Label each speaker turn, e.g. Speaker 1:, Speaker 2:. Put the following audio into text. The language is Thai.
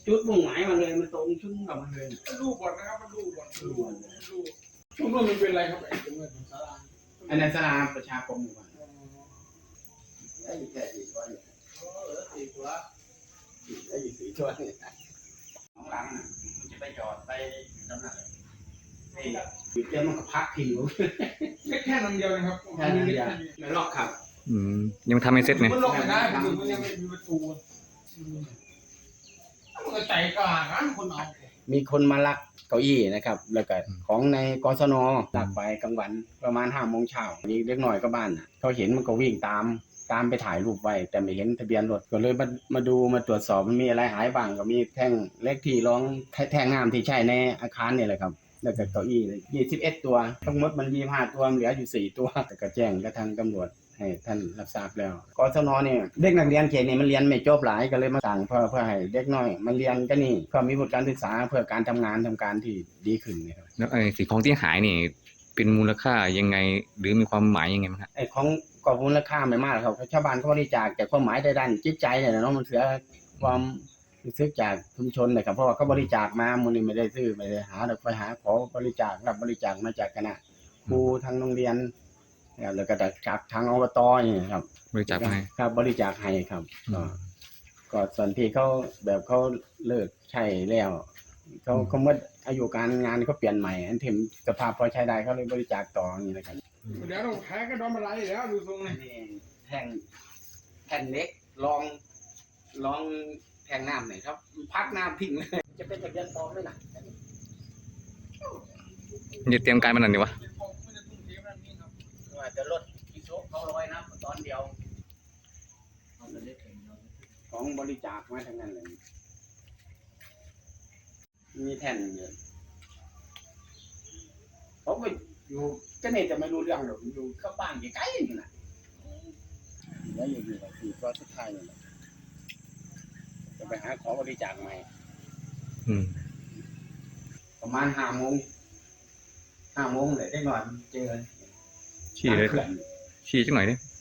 Speaker 1: จุดมุ่งหมายมาเลยมันตรงชุดกับมันเลย
Speaker 2: มันดูบอลนะครับมันดูบอลดูช่วงนู้นมันเป็นอะไรครับไอ้ตรงนี้ศาลา
Speaker 1: อันนั้นศาลาประชาคมหมู่บ้าน
Speaker 3: ได้อยู่แค่สี่ตัวเนี่ย
Speaker 2: สี่ตัว
Speaker 3: ได้อยู่สี่ตัวเนี่ย
Speaker 1: ของหลังน่ะมันจะไปจอดไปจำหน่ายไอ้อยู่เจ้ามันก็พักทิ้งอยู่
Speaker 2: แค่นั้นเดียวนะครับ
Speaker 1: แค่นั้นเดียวไม่ลอกครับ
Speaker 4: ยังทำไม่เสร็จเนี่ย
Speaker 2: มันลงไม่ได้มันยังไม่มีประตูมันก็ใจกล้ากันคนเอา
Speaker 1: มีคนมาลักเก้าอี้นะครับ แล้วก็ของในกศนลักไปกลางวันประมาณ5 โมงเช้านี่เล็กหน่อยก็บ้านน่ะเขาเห็นมันก็วิ่งตามไปถ่ายรูปไว้แต่ไม่เห็นทะเบียนรถก็เลยมาดูมาตรวจสอบมันมีอะไรหายบ้างก็มีแท่งเล็กที่รองแท่งน้ำที่ใช้ในอาคารนี่แหละครับแล้วก็เก้าอี้21 ตัวทั้งหมดมัน25 ตัวเหลืออยู่4 ตัวแต่ก็แจ้งกับทางตำรวจให้ท่านรับทราบแล้วกศนเนี่ยเด็กนักเรียนเขตนี่มันเรียนไม่จบหลายก็เลยมาสั่งเพื่อให้เด็กน้อยมันเรียนก็นี่ก็มีวุฒิการศึกษาเพื่อการทำงานที่ดีขึ้นนะครับ
Speaker 4: แล้วไอ้สิ่งของที่หายนี่เป็นมูลค่ายังไงหรือมีความหมายยังไงมั้งครับ
Speaker 1: ไอ้ของกอบมูลค่าไม่มากครับชาวบ้านเขาบริจาคแต่ความหมายในด้านจิตใจเนี่ยเนาะมันเสียความรู้สึกจากชุมชนเลยครับเพราะว่าเขาบริจาคมามูลนิธิไม่ได้ซื้อไม่ได้หาเราไปหาขอบริจาครับบริจาคมาจากคณะครูทางโรงเรียนแล้วก็จากทางอบตอย่างนี้ครับ
Speaker 4: บริจาคมาให้
Speaker 1: ครับบริจาคให้ครับก็ส่วนที่เขาแบบเขาเลิกใช้แล้วเขาเมื่ออายุการงานเขาเปลี่ยนใหม่อันที่สภาพพอใช้ได้เขาเลยบริจาคต่ออย่างนี้นะครับ
Speaker 2: เดี๋ยวเราแพ้ก็โดนมาไล่แล้วดูทรงเลย
Speaker 1: นี่แท่งเล็กลองแท่งน้ำหน่อยครับพักน้ำทิ้งเลยจะเป็นทะเบียนปลอมด้วยนะ
Speaker 4: จะเตรียมการมันนั่นดีวะ
Speaker 1: ว่าจะลดกิโลเขา100นะตอนเดียวของบริจาคมาทั้งนั้นเลยมีแท่นเยอะผมก็อยู่ก็เนี่ยจะไม่รู้เรื่องหรอกอยู่เข้าบ้านใกล้ๆนี่นะแล้วอยู่กับ4 ตัวสุดท้ายนี่แหละจะไปหาขอบริจาคใหม่ ประมาณ5 โมงเลยได้นอนเจอ
Speaker 4: ชี้เลย
Speaker 1: เขื่อน
Speaker 4: ชี้จังหน่อยดิ